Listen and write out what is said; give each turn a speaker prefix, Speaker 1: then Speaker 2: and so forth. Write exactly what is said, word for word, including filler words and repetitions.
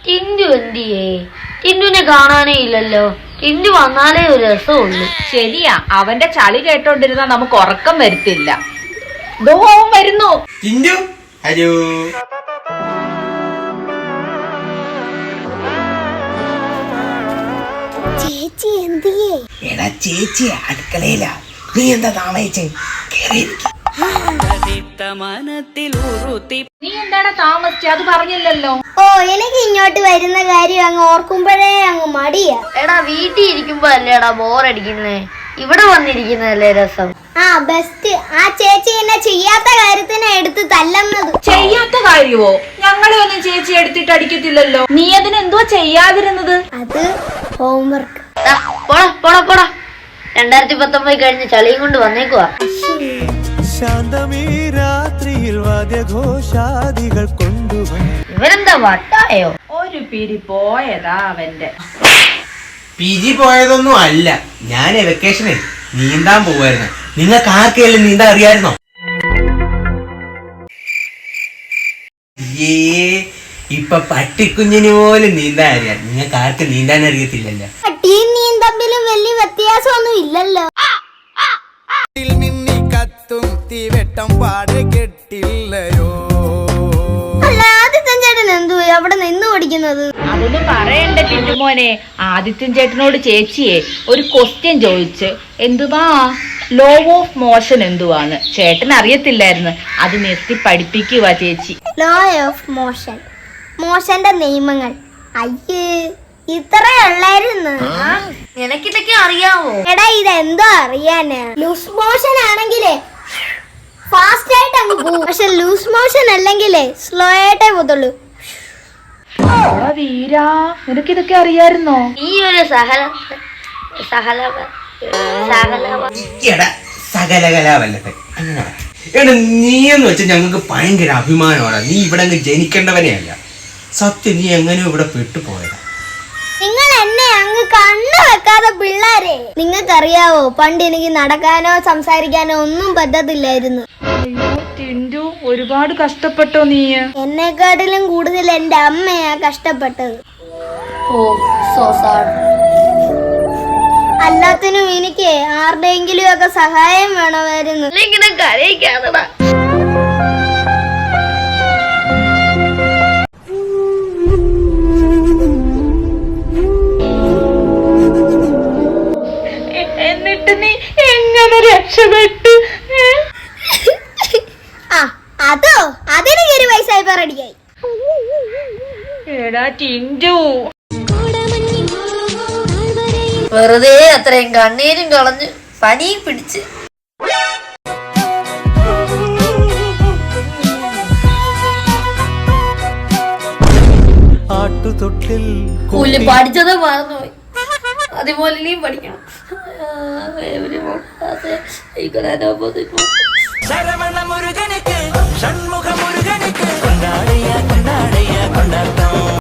Speaker 1: ടിൻഡു എന്തിയേ? ടിൻഡുവിനെ കാണാനേ ഇല്ലല്ലോ. ടിൻഡു വന്നാലേ ഒരു രസമുള്ളൂ.
Speaker 2: ശരിയാ, അവന്റെ ചളി കേട്ടോണ്ടിരുന്നാ നമുക്ക് ഉറക്കം വരുത്തില്ല. ദോ അവൻ വരുന്നു.
Speaker 3: ടിൻഡു, ഹലോ.
Speaker 4: ചേച്ചി എന്തിയേ?
Speaker 3: എടാ ചേച്ചി അടുക്കളയില. നീ എന്താ താമസിച്ചേ?
Speaker 2: നീ എന്താണ് താമസിച്ചത്? അത് പറഞ്ഞില്ലല്ലോ.
Speaker 4: ഓ, എനിക്ക് ഇങ്ങോട്ട് വരുന്ന കാര്യം അങ്ങ് ഓർക്കുമ്പോഴേ അങ്ങ് മടിയാ.
Speaker 1: എടാ വീട്ടിൽ ഇരിക്കുമ്പോ അല്ലേടാ ബോറടിക്കുന്നേ, ഇവിടെ വന്നിരിക്കുന്നതല്ലേ രസം.
Speaker 4: ആ ബെസ്റ്റ്. ആ ചേച്ചി എന്നെ ചെയ്യാത്ത കാര്യത്തിനെ എടുത്ത് തല്ലുന്നത്.
Speaker 2: ചെയ്യാത്ത കാര്യവോ? ഞങ്ങളെ ഒന്നും ചേച്ചി എടുത്തിട്ട് അടിക്കത്തില്ലല്ലോ. നീ അതിനെന്തോ ചെയ്യാതിരുന്നത്?
Speaker 4: അത് ഹോംവർക്ക്.
Speaker 1: പോടാ പോടാ പോടാ. രണ്ടായിരത്തി പത്തൊമ്പത് കഴിഞ്ഞ് ചളിയും കൊണ്ട് വന്നേക്കുവാ. ഇവരെന്താ വട്ടായോ?
Speaker 2: ഒരു പിരി പോയതാ അവന്റെ.
Speaker 3: പി ജി പോയതൊന്നും അല്ല, ഞാൻ വെക്കേഷനെ നീന്താൻ പോവായിരുന്നു. നിങ്ങൾക്ക് ആർക്കെല്ലാം നീന്താൻ അറിയായിരുന്നോ? ഏ ഇപ്പൊ പട്ടിക്കുഞ്ഞിന് പോലും നീന്താൻ അറിയാം. നിങ്ങൾക്ക് ആർക്ക് നീന്താൻ അറിയത്തില്ലല്ലോ.
Speaker 4: പട്ടിയും നീയും തമ്മിലും വലിയ വ്യത്യാസമൊന്നും ഇല്ലല്ലോ. അല്ല, ആദിത്യൻ ചേട്ടൻ എന്തു അവിടെ നിന്ന് പഠിക്കുന്നത്?
Speaker 2: അതൊന്നും പറയണ്ട ടിന്റുമോനെ. ആദിത്യൻ ചേട്ടനോട് ചേച്ചിയെ ഒരു ക്വസ്റ്റ്യൻ ചോദിച്ച് എന്തുവാ ലോ ഓഫ് മോഷൻ എന്തുവാണ് ചേട്ടൻ അറിയത്തില്ലായിരുന്നു. അത് നിർത്തി പഠിപ്പിക്കുക ചേച്ചി.
Speaker 4: ലോ ഓഫ് മോഷൻ, മോശന്റെ നിയമങ്ങൾ. അയ്യേ, ഇത്രേ ഉള്ളായിരുന്നു.
Speaker 1: നിനക്കിതൊക്കെ അറിയാവോ?
Speaker 4: എടാ ഇതെന്തോ അറിയാനാ. ലൂസ് മോഷൻ ആണെങ്കിലേ ഫാസ്റ്റ് ആയിട്ട് അങ്ങ് പോകും, പക്ഷെ ലൂസ് മോഷൻ അല്ലെങ്കിലേ സ്ലോ ആയിട്ടേ പോത്തുള്ളൂ.
Speaker 2: വീരാ, നിനക്കിതൊക്കെ അറിയായിരുന്നോ?
Speaker 1: ഈ ഒരു സഹല സഹല
Speaker 3: എടാ സകലകലാവല്ലത്തെ അങ്ങനെ എടാ, നീയെന്ന് വെച്ചാൽ ഞങ്ങൾക്ക് ഭയങ്കര അഭിമാനമാണ്. നീ ഇവിടെ അങ്ങ് ജനിക്കേണ്ടവനെയല്ല. സത്യം, നീ എങ്ങനെയോ ഇവിടെ പെട്ടുപോയതാ.
Speaker 4: നിങ്ങൾ എന്നെ അങ്ങ് കണ്ണു വെക്കാതെ പിള്ളേരെ. നിങ്ങൾക്കറിയാവോ, പണ്ട് എനിക്ക് നടക്കാനോ സംസാരിക്കാനോ ഒന്നും പറ്റത്തില്ലായിരുന്നു.
Speaker 2: അയ്യോ ടിന്റു, ഒരുപാട് കഷ്ടപ്പെട്ടോ നീ?
Speaker 4: എന്നെക്കാട്ടിലും കൂടുതൽ എന്റെ അമ്മയാ കഷ്ടപ്പെട്ടത്.
Speaker 1: ഓ സോ സോറി.
Speaker 4: അല്ലാത്തിനും എനിക്ക് ആരുടെയെങ്കിലും ഒക്കെ സഹായം വേണമായിരുന്നു.
Speaker 1: ഇങ്ങനെ കരയിക്കാതെടാ.
Speaker 2: എന്നിട്ട് നീ എങ്ങനെ രക്ഷപ്പെട്ടു?
Speaker 4: ആ അതോ, അതെനിക്ക് ഒരു വയസ്സായി പറടിയായി.
Speaker 2: എടാ ടിന്റു,
Speaker 1: വെറുതെ അത്രയും കണ്ണീരും കളഞ്ഞ് പനിയും പിടിച്ച്. പുല്ല് പഠിച്ചത് മറന്നുപോയി, അതുപോലെ നീ പഠിക്കണം.
Speaker 5: ശരവണ മുരുകനുക്ക് ഷൺമുഖ മുരുകനുക്ക് കൊണ്ടാടയ്യ കൊണ്ടാടയ്യ കൊണ്ടാട്ടം.